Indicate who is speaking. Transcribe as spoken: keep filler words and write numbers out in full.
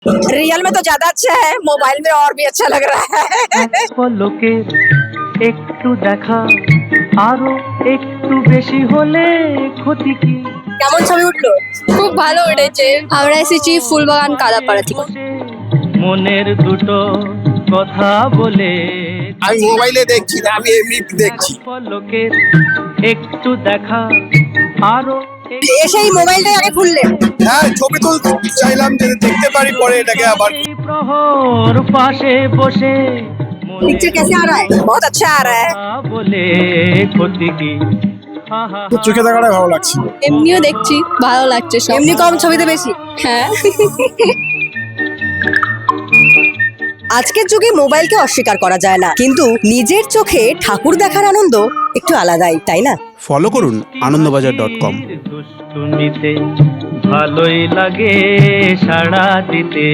Speaker 1: Real में तो ज्यादा अच्छा है, मोबाइल में और भी अच्छा लग रहा है।
Speaker 2: পলকে একটু দেখা আরো একটু বেশি হলে ক্ষতি কি।
Speaker 1: কেমন ছবি উঠলো?
Speaker 3: খুব ভালো উঠেছে। আমরা এসেছি ফুলবাগান কালাপাড়া থেকে।
Speaker 2: মনের দুটো কথা বলে
Speaker 4: আমি মোবাইলে দেখছি না, আমি এমনি দেখছি।
Speaker 2: পলকে একটু দেখা আরো
Speaker 1: এসেই মোবাইলটাই আগে খুললে?
Speaker 4: হ্যাঁ, ছবি তুলতে চাইলাম যে দেখতে পারি পরে এটাকে আবার।
Speaker 2: এই প্রহর পাশে বসে
Speaker 1: पिक्चर कैसे आ रहा है? बहुत अच्छा आ रहा है।
Speaker 2: বলে ক্ষতি কি। হা হা
Speaker 4: তো চোখে দেখাটাই ভালো লাগছে।
Speaker 3: এমনিও দেখছি, ভালো লাগছে সব।
Speaker 1: এমনি কম ছবিতে বেশি।
Speaker 3: হ্যাঁ।
Speaker 1: আজকের যুগে মোবাইলকে অস্বীকার করা যায় না, কিন্তু নিজের চোখে ঠাকুর দেখার আনন্দ একটু আলাদাই, তাই না?
Speaker 5: ফলো করুন আনন্দবাজার ডট কম।
Speaker 2: দুষ্টুমিতে ভালোই লাগে সাড়া দিতে।